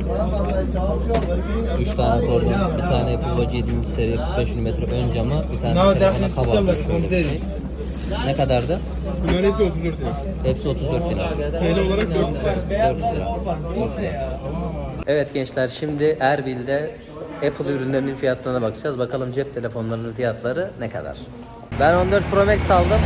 3 tane kordon, bir tane Apple Watch 7. seri 45 mm ön camı, bir tane telefona kabartmış. Ne kadardı? Bunların hepsi 34 lira. Hepsi 34 lira. TL olarak 400 lira. 400 lira. Çok güzel. Evet gençler, şimdi Erbil'de Apple ürünlerinin fiyatlarına bakacağız. Bakalım cep telefonlarının fiyatları ne kadar? Ben 14 Pro Max aldım.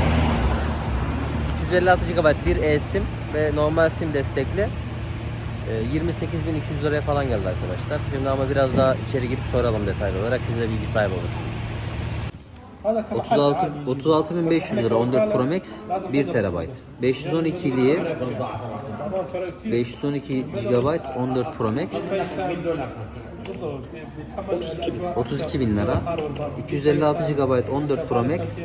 256 GB bir eSIM ve normal SIM destekli. 28.200 liraya falan geldi arkadaşlar. Şimdi ama biraz daha içeri girip soralım detaylı olarak. Siz de bilgi sahibi olursunuz. 36.500 lira 14 Pro Max 1 TB. 512 GB 14 Pro Max 32 bin lira. 256 GB 14 Pro Max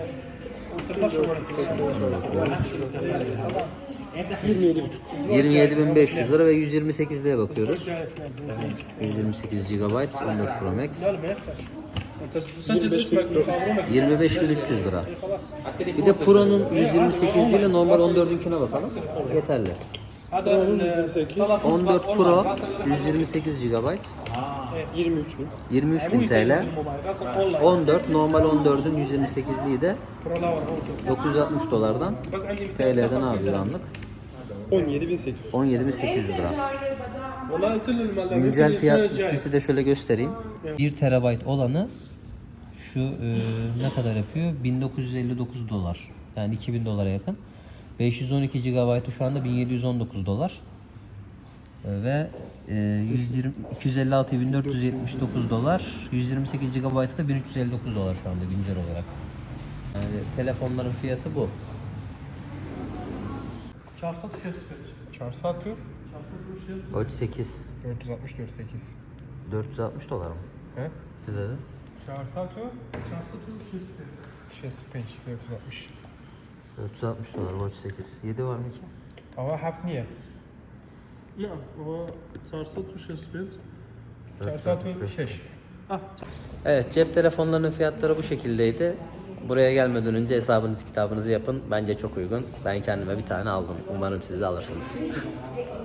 27.500 lira ve 128'liğe bakıyoruz. 128 GB 14 Pro Max 25.300 lira. Bir de Pro'nun 128 ile normal 14'ünküne bakalım. Yeterli. 14 Pro 128 GB 23.000 TL. 14 normal 14'ün 128'liği de 960 dolardan TL'den ne yapıyor anlık? 17.800 lira. Güncel fiyat listesi de şöyle göstereyim. 1 TB olanı şu ne kadar yapıyor? 1959 dolar. Yani 2000 dolara yakın. 512 GB'ı şu anda 1719 dolar. Ve 256.479 dolar. 128 GB'ı da 1359 dolar şu anda güncel olarak. Yani telefonların fiyatı bu. Çarsatı Watch 8 464 8. 460 dolar mı? He? Ne dedi? Çarsatı 65 460. 460 dolar Watch 8. 7 var mı ki? Ama hafif niye? نعم هو 465 Çarsatı 6. Evet, cep telefonlarının fiyatları bu şekildeydi. Buraya gelmeden önce hesabınız kitabınızı yapın. Bence çok uygun. Ben kendime bir tane aldım. Umarım siz de alırsınız.